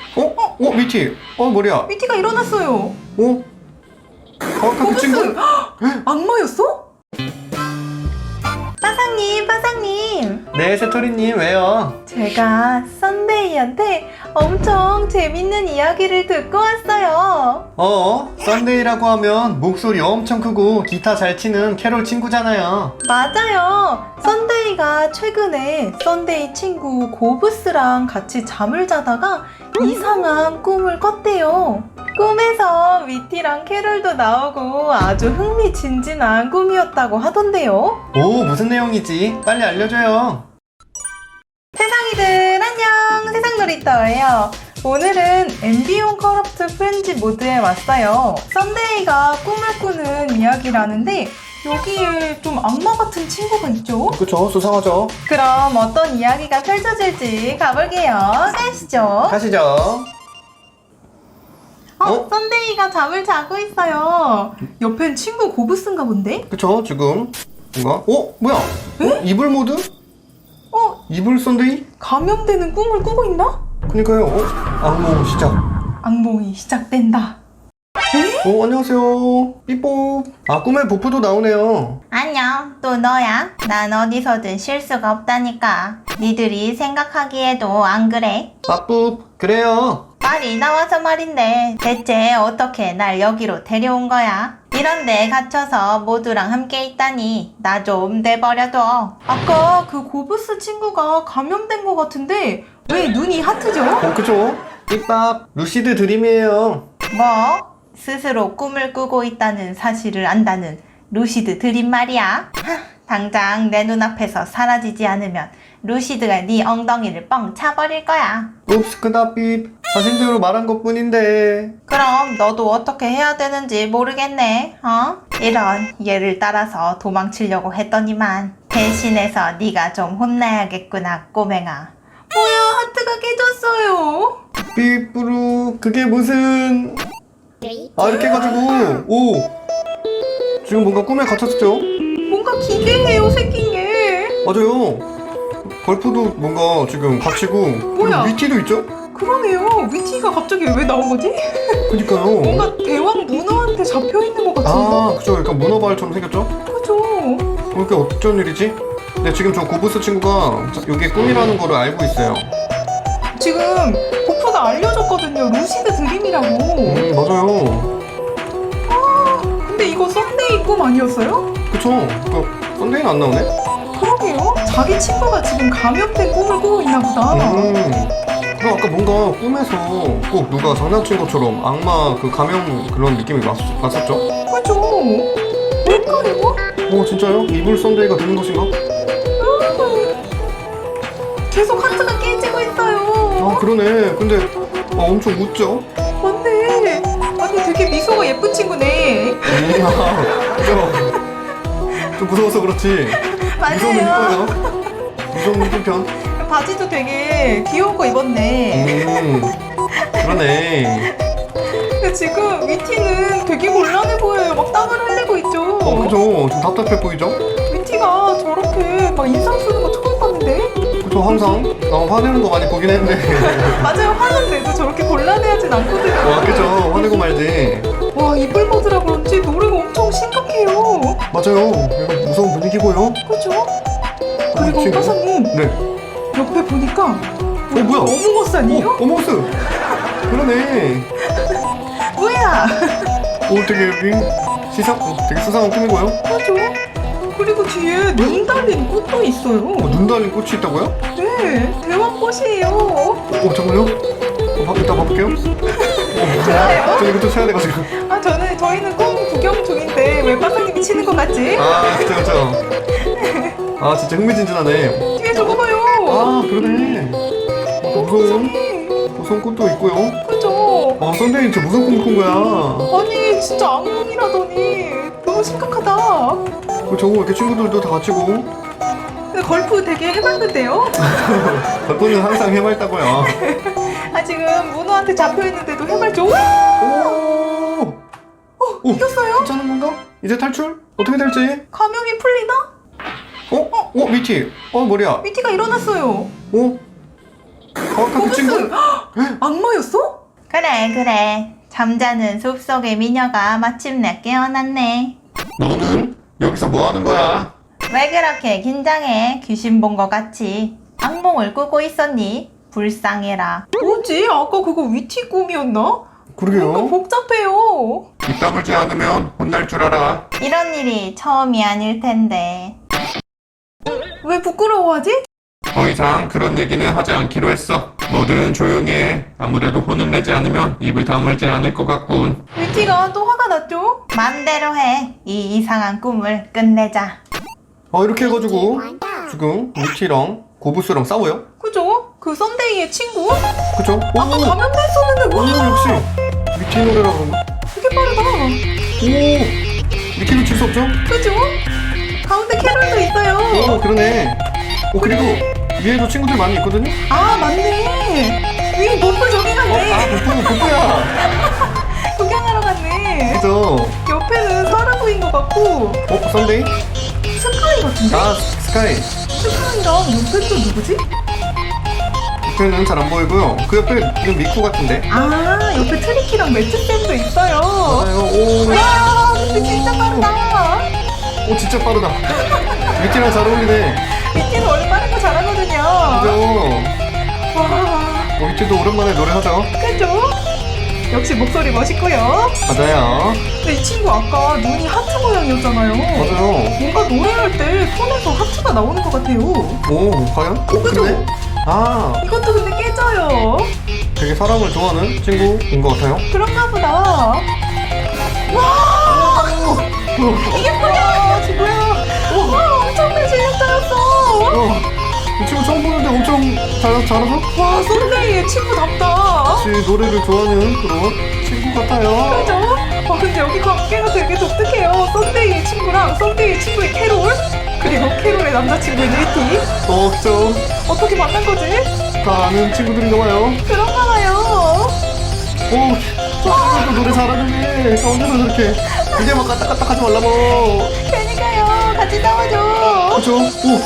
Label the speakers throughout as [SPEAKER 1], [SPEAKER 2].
[SPEAKER 1] 미티. 머리야.
[SPEAKER 2] 미티가 일어났어요.
[SPEAKER 1] 아까 그 친구?
[SPEAKER 2] 악마였어? 빠상님.
[SPEAKER 1] 네, 새토리님, 왜요?
[SPEAKER 2] 제가 썬데이한테 엄청 재밌는 이야기를 듣고 왔어요.
[SPEAKER 1] 썬데이라고 하면 목소리 엄청 크고 기타 잘 치는 캐롤 친구잖아요.
[SPEAKER 2] 맞아요. 썬데이가 최근에 썬데이 친구 고브스랑 같이 잠을 자다가 이상한 꿈을 꿨대요. 꿈에서 미티랑 캐롤도 나오고 아주 흥미진진한 꿈이었다고 하던데요.
[SPEAKER 1] 무슨 내용이지? 빨리 알려줘요.
[SPEAKER 2] 세상이들 안녕, 세상놀이터예요. 오늘은 앰비온 커럽트 프렌즈 모드에 왔어요. 썬데이가 꿈을 꾸는 이야기라는데 여기에 좀 악마 같은 친구가 있죠?
[SPEAKER 1] 그쵸, 수상하죠?
[SPEAKER 2] 그럼 어떤 이야기가 펼쳐질지 가볼게요. 가시죠.
[SPEAKER 1] 가시죠.
[SPEAKER 2] 썬데이가 잠을 자고 있어요. 옆엔 친구 고브스인가 본데?
[SPEAKER 1] 그쵸, 지금 뭔가? 뭐야? 이불 모드? 이불 썬데이?
[SPEAKER 2] 감염되는 꿈을 꾸고 있나?
[SPEAKER 1] 그니까요. 악몽 시작.
[SPEAKER 2] 악몽이 시작된다.
[SPEAKER 1] 안녕하세요. 삐뽀. 꿈에 보프도 나오네요.
[SPEAKER 3] 안녕, 또 너야? 난 어디서든 쉴 수가 없다니까. 니들이 생각하기에도 안 그래?
[SPEAKER 1] 빠뿌. 그래요.
[SPEAKER 3] 말이 나와서 말인데 대체 어떻게 날 여기로 데려온 거야? 이런데 갇혀서 모두랑 함께 있다니 나 좀 내버려둬.
[SPEAKER 2] 아까 그 고브스 친구가 감염된 것 같은데 왜 눈이 하트죠?
[SPEAKER 1] 그쵸? 삐빡. 루시드 드림이에요.
[SPEAKER 3] 뭐? 스스로 꿈을 꾸고 있다는 사실을 안다는 루시드 드림 말이야? 당장 내 눈앞에서 사라지지 않으면 루시드가 네 엉덩이를 뻥 차버릴 거야.
[SPEAKER 1] 옵스 크다삐. 자신대로 말한 것뿐인데.
[SPEAKER 3] 그럼 너도 어떻게 해야 되는지 모르겠네. 이런 얘를 따라서 도망치려고 했더니만 대신해서 네가 좀 혼나야겠구나, 꼬맹아.
[SPEAKER 2] 뭐야, 하트가 깨졌어요.
[SPEAKER 1] 삐뿌루. 그게 무슨... 이렇게 해가지고 지금 뭔가 꿈에 갇혔죠?
[SPEAKER 2] 뭔가 기괴해요, 생긴 게.
[SPEAKER 1] 맞아요. 걸프도 뭔가 지금 갇히고
[SPEAKER 2] 뭐야?
[SPEAKER 1] 그리고 위티도 있죠?
[SPEAKER 2] 그러네요. 위티가 갑자기 왜 나온 거지?
[SPEAKER 1] 그니까요.
[SPEAKER 2] 뭔가 대왕 문어한테 잡혀 있는 것 같은데.
[SPEAKER 1] 그쵸. 약간 문어발처럼 생겼죠?
[SPEAKER 2] 그죠?
[SPEAKER 1] 그게 어쩐 일이지? 근데 지금 저 고브스 친구가 이게 꿈이라는 거를 알고 있어요.
[SPEAKER 2] 지금 보프가 알려줬거든요. 루시드 드림이라고.
[SPEAKER 1] 맞아요.
[SPEAKER 2] 근데 이거 썬데이 꿈 아니었어요?
[SPEAKER 1] 그쵸. 썬데이는 안 나오네?
[SPEAKER 2] 그러게요. 자기 친구가 지금 감염된 꿈을 꾸고 있나 보다.
[SPEAKER 1] 그럼 아까 뭔가 꿈에서 꼭 누가 장난친 것처럼 악마 그 감염 그런 느낌이 났었죠?
[SPEAKER 2] 그죠? 뭘까요?
[SPEAKER 1] 진짜요? 이불 썬데이가 되는 것인가?
[SPEAKER 2] 계속 하트가 깨지고 있어요.
[SPEAKER 1] 그러네. 근데 엄청 웃죠?
[SPEAKER 2] 맞네. 아니 되게 미소가 예쁜 친구네.
[SPEAKER 1] 그죠? 좀 무서워서 그렇지. 무서우면
[SPEAKER 2] 맞아요.
[SPEAKER 1] 이뻐요. 무서우면 이쁜 편.
[SPEAKER 2] 바지도 되게 귀여운 거 입었네.
[SPEAKER 1] 그러네.
[SPEAKER 2] 근데 지금 위티는 되게 곤란해 보여요. 막 땀을 흘리고 있죠.
[SPEAKER 1] 그죠? 좀 답답해 보이죠?
[SPEAKER 2] 위티가 저렇게 막 인상 쓰는 거 처음 봤는데?
[SPEAKER 1] 그죠? 항상 화내는 거 많이 보긴 했는데.
[SPEAKER 2] 맞아요. 화는데도 저렇게 곤란해하진 않거든요.
[SPEAKER 1] 그죠? 화내고 말지.
[SPEAKER 2] 와, 이불 모드라 그런지 노래가 엄청 심각해요.
[SPEAKER 1] 맞아요. 이거 무서운 분위기고요.
[SPEAKER 2] 그죠? 그리고
[SPEAKER 1] 지금-
[SPEAKER 2] 빠사님
[SPEAKER 1] 네.
[SPEAKER 2] 옆에 보니까
[SPEAKER 1] 뭐야?
[SPEAKER 2] 어묵어스 아니에요?
[SPEAKER 1] 어머스. 그러네.
[SPEAKER 2] 뭐야?
[SPEAKER 1] 되게 되게 수상한 꿈이고요.
[SPEAKER 2] 그죠? 그리고 뒤에 눈 달린 꽃도 있어요.
[SPEAKER 1] 눈 달린 꽃이 있다고요?
[SPEAKER 2] 네, 대왕꽃이에요.
[SPEAKER 1] 정말요? 이따 봐볼게요.
[SPEAKER 2] 좋아요.
[SPEAKER 1] 저 이것도 쳐야 돼가지고.
[SPEAKER 2] 저희는 꿈 구경 중인데 왜 빠사님이 치는 것 같지?
[SPEAKER 1] 그쵸. 진짜 흥미진진하네.
[SPEAKER 2] 뒤에 저거 봐요.
[SPEAKER 1] 그러네. 무서운 꽃도 있고요.
[SPEAKER 2] 그죠?
[SPEAKER 1] 썬데이 진짜 무슨 꿈을 꾼 거야.
[SPEAKER 2] 아니 진짜 악몽이라더니 너무 심각하다.
[SPEAKER 1] 저거 이렇게 친구들도 다 갇히고.
[SPEAKER 2] 근데 걸프 되게 해봤는데요?
[SPEAKER 1] 걸프는 항상 해맑다고요.
[SPEAKER 2] 지금 문어한테 잡혀있는데도 해맑죠? 이겼어요?
[SPEAKER 1] 괜찮은 건가? 이제 탈출? 어떻게 될지?
[SPEAKER 2] 감염이 풀리나?
[SPEAKER 1] 미티. 머리야.
[SPEAKER 2] 미티가 일어났어요.
[SPEAKER 1] 그 친구?
[SPEAKER 2] 악마였어?
[SPEAKER 3] 그래. 잠자는 숲속의 미녀가 마침내 깨어났네.
[SPEAKER 1] 너는 여기서 뭐 하는 거야?
[SPEAKER 3] 왜 그렇게 긴장해? 귀신 본 것 같이. 악몽을 꾸고 있었니? 불쌍해라.
[SPEAKER 2] 뭐지? 아까 그거 위티 꿈이었나? 뭔가
[SPEAKER 1] 그러게요.
[SPEAKER 2] 복잡해요.
[SPEAKER 1] 입 다물지 않으면 혼날 줄 알아.
[SPEAKER 3] 이런 일이 처음이 아닐 텐데.
[SPEAKER 2] 왜 부끄러워하지?
[SPEAKER 1] 더 이상 그런 얘기는 하지 않기로 했어. 뭐든 조용히 해. 아무래도 혼을 내지 않으면 입을 다물지 않을 것 같군.
[SPEAKER 2] 위티가 또 화가 났죠?
[SPEAKER 3] 맘대로 해. 이 이상한 꿈을 끝내자.
[SPEAKER 1] 이렇게 해가지고 지금 위티랑 고부스랑 싸워요.
[SPEAKER 2] 그죠? 그 썬데이의 친구?
[SPEAKER 1] 그쵸?
[SPEAKER 2] 아까 감염됐었는데
[SPEAKER 1] 오,
[SPEAKER 2] 와
[SPEAKER 1] 역시 위티 노래라 그런가?
[SPEAKER 2] 되게 빠르다.
[SPEAKER 1] 오, 위티도 칠 수 없죠?
[SPEAKER 2] 그죠? 가운데 캐롤도 있어요.
[SPEAKER 1] 오, 그러네. 그리고 위에도 친구들 많이 있거든요?
[SPEAKER 2] 아 맞네. 위 버프 저기 갔네.
[SPEAKER 1] 버프야.
[SPEAKER 2] 구경하러 갔네.
[SPEAKER 1] 그죠?
[SPEAKER 2] 옆에는 사라부인 것 같고
[SPEAKER 1] 썬데이?
[SPEAKER 2] 스카이 같은데?
[SPEAKER 1] 스카이.
[SPEAKER 2] 스카이랑 옆에 또 누구지?
[SPEAKER 1] 옆에는 잘 안 보이고요. 그 옆에 미쿠 같은데?
[SPEAKER 2] 아 옆에 트리키랑 매트쌤도 있어요.
[SPEAKER 1] 맞아요. 오,
[SPEAKER 2] 와 근데 진짜 빠르다.
[SPEAKER 1] 진짜 빠르다. 위티랑 잘 어울리네.
[SPEAKER 2] 위티는 원래 빠른 거 잘하거든요.
[SPEAKER 1] 그죠?
[SPEAKER 2] 와
[SPEAKER 1] 위티도 오랜만에 노래하죠?
[SPEAKER 2] 그죠? 역시 목소리 멋있고요.
[SPEAKER 1] 맞아요.
[SPEAKER 2] 근데 이 친구 아까 눈이 하트 모양이었잖아요.
[SPEAKER 1] 맞아요.
[SPEAKER 2] 뭔가 노래할 때 손에서 하트가 나오는 것 같아요.
[SPEAKER 1] 오, 과연?
[SPEAKER 2] 그죠?
[SPEAKER 1] 그러네?
[SPEAKER 2] 이것도 근데 깨져요.
[SPEAKER 1] 되게 사람을 좋아하는 친구인 것 같아요.
[SPEAKER 2] 그런가 보다. 와! 이게 뭐야? 뭐야? 와, 엄청난 실력자였어.
[SPEAKER 1] 이 친구 처음 보는데 엄청 잘하죠?
[SPEAKER 2] 와, 썬데이의 친구답다.
[SPEAKER 1] 역시 노래를 좋아하는 그런 친구 같아요.
[SPEAKER 2] 그죠? 와, 근데 여기 관계가 되게 독특해요. 썬데이의 친구랑 썬데이의 친구의 캐롤, 그리고 캐롤의 남자친구인 위티.
[SPEAKER 1] 그쵸.
[SPEAKER 2] 어떻게 만난 거지?
[SPEAKER 1] 다 아는 친구들인가 봐요.
[SPEAKER 2] 그런가 봐요.
[SPEAKER 1] 또 노래 잘하는데 언제서 저렇게 이제 막 까딱까딱 하지 말라고.
[SPEAKER 2] 그러니까요. 같이 싸워줘.
[SPEAKER 1] 그쵸?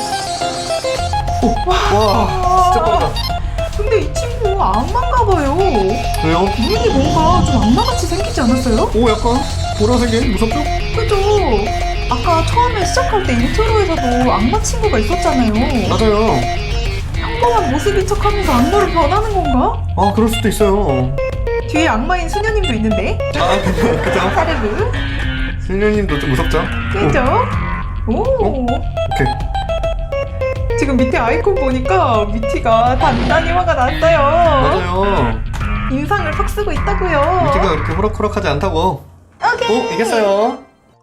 [SPEAKER 1] 와, 진짜 빠르다.
[SPEAKER 2] 근데 이 친구 악마인가 봐요.
[SPEAKER 1] 왜요?
[SPEAKER 2] 눈이 뭔가 좀 악마같이 생기지 않았어요?
[SPEAKER 1] 약간 보라색이 무섭죠?
[SPEAKER 2] 그죠? 아까 처음에 시작할 때 인트로에서도 악마 친구가 있었잖아요.
[SPEAKER 1] 맞아요.
[SPEAKER 2] 평범한 모습인 척하면서 악마로 변하는 건가?
[SPEAKER 1] 그럴 수도 있어요.
[SPEAKER 2] 뒤에 악마인 수녀님도 있는데?
[SPEAKER 1] 그죠?
[SPEAKER 2] 사르르.
[SPEAKER 1] 신녀님도 좀 무섭죠?
[SPEAKER 2] 그죠? 오.
[SPEAKER 1] 오케이.
[SPEAKER 2] 지금 밑에 아이콘 보니까 위티가 단단히 화가 났어요.
[SPEAKER 1] 맞아요.
[SPEAKER 2] 인상을 팍 쓰고 있다고요.
[SPEAKER 1] 위티가 이렇게 호락호락하지 않다고.
[SPEAKER 3] 오케이.
[SPEAKER 1] 이겼어요.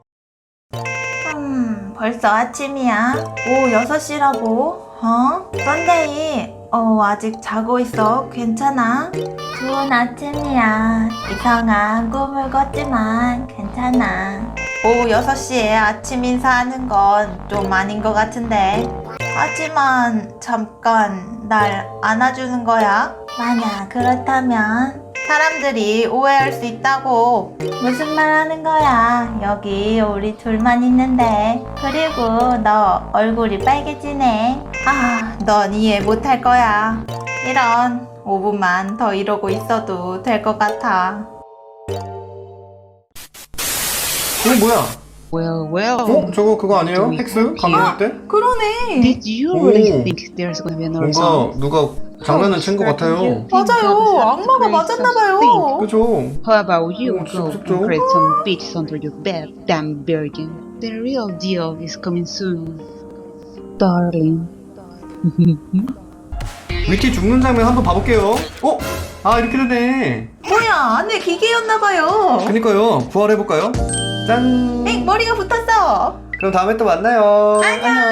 [SPEAKER 3] 벌써 아침이야. 오후 6시라고? 썬데이, 아직 자고 있어. 괜찮아? 좋은 아침이야. 이상한 꿈을 꿨지만 괜찮아. 오후 6시에 아침 인사하는 건 좀 아닌 것 같은데. 하지만 잠깐 날 안아주는 거야? 만약 그렇다면 사람들이 오해할 수 있다고. 무슨 말 하는 거야? 여기 우리 둘만 있는데. 그리고 너 얼굴이 빨개지네. 넌 이해 못할 거야. 이런 5분만 더 이러고 있어도 될 것 같아.
[SPEAKER 1] 뭐야?
[SPEAKER 4] Well.
[SPEAKER 1] 저거 그거 아니에요? 헥스? 강연할 때?
[SPEAKER 2] 그러네.
[SPEAKER 4] Did you
[SPEAKER 1] Oh.
[SPEAKER 4] really think there's gonna be another song?
[SPEAKER 1] 누가 장난을 친 것 같아요.
[SPEAKER 2] 맞아요. 악마가 맞았나봐요.
[SPEAKER 1] 그죠?
[SPEAKER 4] How about you
[SPEAKER 1] 진짜
[SPEAKER 4] go
[SPEAKER 1] 무섭죠?
[SPEAKER 4] and create some beats under your bed, damn virgin? The real deal is coming soon, darling.
[SPEAKER 1] 위티 죽는 장면 한번 봐볼게요. 이렇게 되네.
[SPEAKER 2] 뭐야, 안에 기계였나봐요.
[SPEAKER 1] 그니까요. 부활해볼까요? 짠.
[SPEAKER 2] 머리가 붙었어.
[SPEAKER 1] 그럼 다음에 또 만나요. 안녕.